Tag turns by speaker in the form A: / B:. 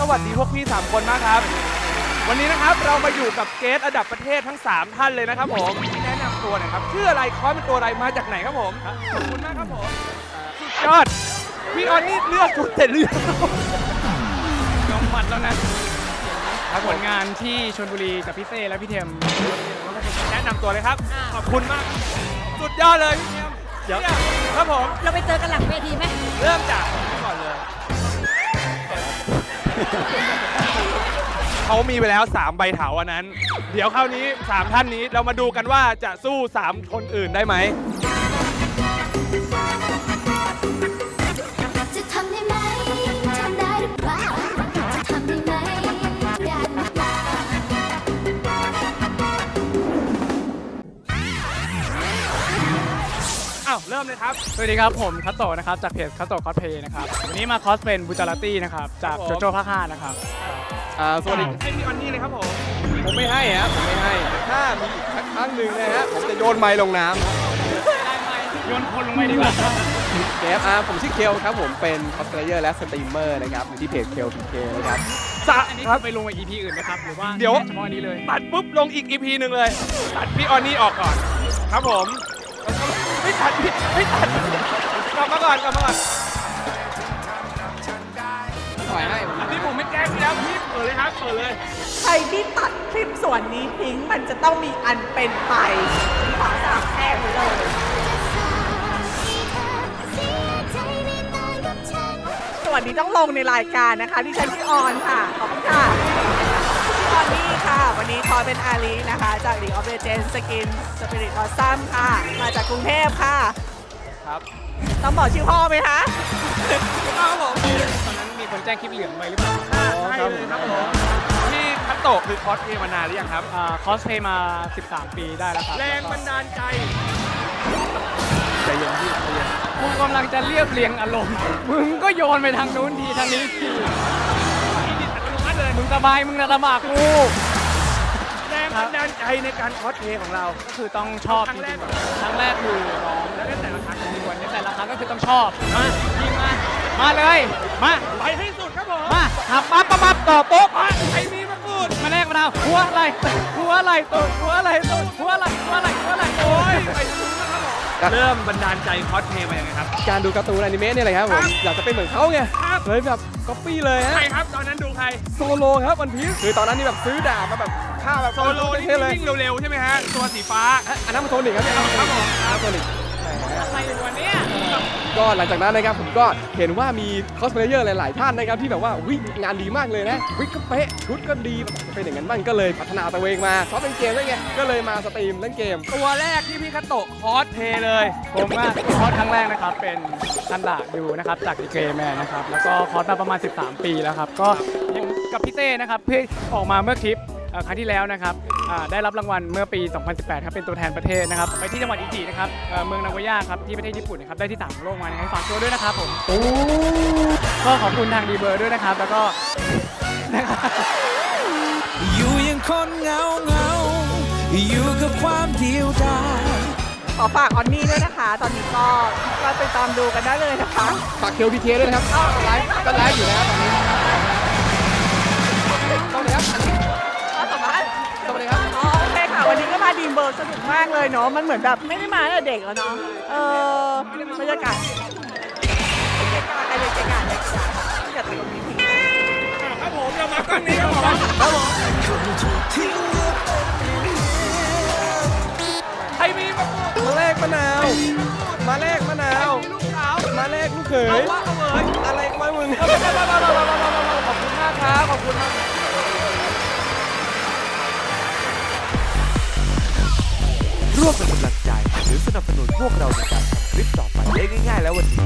A: วัสดีพวกพี่3คนมากครับวันนี้นะครับเรามาอยู่กับเกสระดับประเทศทั้ง3ท่านเลยนะครับผมแนะนำตัวหน่อยครับชื่ออะไรคอสเป็นตัวอะไรมาจากไหนครับผมขอบคุณมากครับผมสุดยอดพี่ออนนี่เลือกชุดแต่เลือกยอมหมัดแล้วนะผลงานที่ชลบุรีกับพี่เต้และพี่เทมแนะนำตัวเลยครับขอบคุณมากสุดยอดเลยพี่เทมเดี๋ยวครับผม
B: เราไปเจอกันหลังเวทีไหม
A: เริ่มจากนี่ก่อนเลยเขามีไปแล้ว3ใบเถาอันนั้น เดี๋ยวคราวนี้3ท่านนี้เรามาดูกันว่าจะสู้3คนอื่นได้ไหม
C: จะทำได้ไหมทำได้หรือเปล่าจะทำได้ไหมได้หรือเปล่า
A: อ้าวเริ่มเลยครับ
D: สวัสดีครับผมคัตโตะนะครับจากเพจคัตโตะคอสเพย์นะครับวันนี้มาคอสเป็นบูจาราตี้นะครับจากโจโจ้ภาค 5นะครับ
E: สวัสดี
A: ให้พี่ออนนี่เลยครับผม
E: ผมไม่ให้ครับผมไม่ให้ถ้ามีอีกสักครั้งหนึ่งนะฮะผมจะโยนไม้ลงน้ำ
D: โยนคนลงไปดีกว่า
E: เกฟผมชื่อเคลครับผมเป็นคอสเพลเยอร์และสตรีมเมอร์นะครับอยู่ที่เพจเคลพีเคนะครับ
D: อันนี้ไปลงใน EP อื่นนะครับหรือว่า
A: เดี๋ยว
D: เฉพาะอันนี้เลย
A: ตัดปุ๊บลงอีก EP หนึ่งเลยตัดพี่ออนนี่ออกก่อนครับผมไม่ตัดพี่ไม่ตัดกลับมาก่อนกลับมาก่อน
E: ปล่อยให้
A: อันนี้ผมไม่แกล้งพี่แล้วพี่เปิดเลยครับเปิดเลย
F: ใครที่ตัดคลิปส่วนนี้ทิ้งมันจะต้องมีอันเป็นไปขอสาบแช่งไปเลย ส่วนนี้ต้องลงในรายการนะคะที่ฉันพี่ออนค่ะ ขอบคุณค่ะพี่ออนนี่ค่ะ วันนี้คอยเป็นอาลีนะคะ จาก League of Legends Skin Spirit Awesome ค่ะ มาจากกรุงเทพค่ะ
A: ครับ
F: ต้องบอกชื่อพ่อไหมคะ
A: ครับผม
D: ตอนนั้นมีคนแจ้งคลิปเหลืองไปหรือเปล่า
A: ใช่เลยครับผมพี่คัตโตะคือคอสเพลย์มานานหรือยังครับ
D: คอสเพย์มา 13 ปีได้แล้วครับ
A: แรงบันดาลใจ
E: ใจเย็นพี่ใจเย็น
D: กูกำลังจะเรียบเรียงอารมณ์มึงก็โยนไปทางนู้นทีทางนี้ที
A: พี่ดิดอัตโนมัติเลย
D: มึงสบายมึงนะลำบากกู
A: แรงบันดาลใจในการคอสเพลย์ของเรา
D: ก็คือต้องชอบ
A: ครั้งแรก
D: จริงๆครั้งแรกคือร้อง
A: แล้วก็แต่ละครั้ง
D: ส่วนในแต่ละครั้งก็คือต้องชอบมายิงมาเลยมา
A: ไปให้สุดครับผม
D: มาหับปั๊บต่อโป๊ะ
A: ไอ้นี่มาพูด
D: มาแรกมะนาวหัวอะไรหัวอะไรตูดหัวอะไรตูดหัวอะไรหัวอะไรหัวอะไร
A: โอ้ยไปสุดนะครับผมเริ่มบันดาลใจคอสเพลย์มายังไงครับ
E: การดูการ์ตูนอนิเมะเนี่ยเลยครับผมอยากจะเป็นเหมือนเขาไง
A: ครับ
E: เลยแบบก๊อปปี้เลยฮะ
A: ใครครับตอนนั้นดูใคร
E: โซโลครับวันพีซคือตอนนั้นนี่แบบซื้อดาบมาแบบฆ่าแบบ
A: โซโลนี่
E: เท่เลย
A: วิ่งเร็วๆใช่ไหมฮะตัวสีฟ้า
E: อันนั้นมันโทนิกครับเนี่ย
A: ครับผม
E: โทนิก
D: อะไรอยู่วันนี้
E: ก็หลังจากนั้นนะครับผมก็เห็นว่ามีคอสเพลเยอร์หลายๆท่านนะครับที่แบบว่าวิงานดีมากเลยนะวิก็เป๊ะชุดก็ดีจะเป็นอย่างนั้นบ้างก็เลยพัฒนาตัวเองมาชอบเล่นเกมด้วยไงก็เลยมาสตรีมเล่นเกม
A: ตัวแรกที่พี่คัตโตะคอสเพลย์เลย
D: ผมว่าคอร์สครั้งแรกนะครับเป็นทันดาดูนะครับจากดีเกแมนนะครับแล้วก็คอร์สมาประมาณ 13 ปีแล้วครับก็ผมกับพี่เต้นะครับเพื่อออกมาเมื่อคลิปครั้งที่แล้วนะครับได้รับรางวัลเมื่อปี 2018 ครับเป็นตัวแทนประเทศนะครับไปที่จังหวัดอิจินะครับเมืองนางโกย่าครับที่ประเทศญี่ปุ่นนะครับได้ที่3ของโลกมานะครับฝากตัวด้วยนะครับผมก็ขอบคุณทางดีเบอร์ด้วยนะครับแล้วก็
G: อยู่ยังคนเหงาอยู่กับความเดียวดาย
F: ขอฝากออนนี่ด้วยนะคะ ตอนนี้ก็ไปตามดูกันได้เลยนะคะ
E: ฝากเคลพีเคด้วยนะครับไลฟ์ก็ไลฟ์อยู่นะครับตอนนี้ต้องเลยครับอันนี้
F: สัมภาษณ์
E: ต้องเลยครับ
F: อ๋อโอเคค่ะ วันนี้ก็มาดีมเบิร์กสนุกมากเลยเนาะ มันเหมือนแบบไม่ได้มาตั้งแต่เด็กแล้วเนาะ บรรยากาศใครเป็นเกกาอย่าติดตรงนี้ที
A: ครับผมเรามากล้องนี้ครับผมใครมีมาพูด
E: มาแลกมะนาว มาแลกมะนาว
A: ลูกสาว
E: มาแลกลูกเข
A: เอา
E: ย
A: ว่าเอาเลย
E: อะไรก็ไม่มึง
A: ขอบคุณมากครับขอบคุณมาก
G: ร่วมเป็นกำลังใจหรือสนับสนุนพวกเราในการทำคลิปต่อไปได้ง่ายๆแล้ววันนี้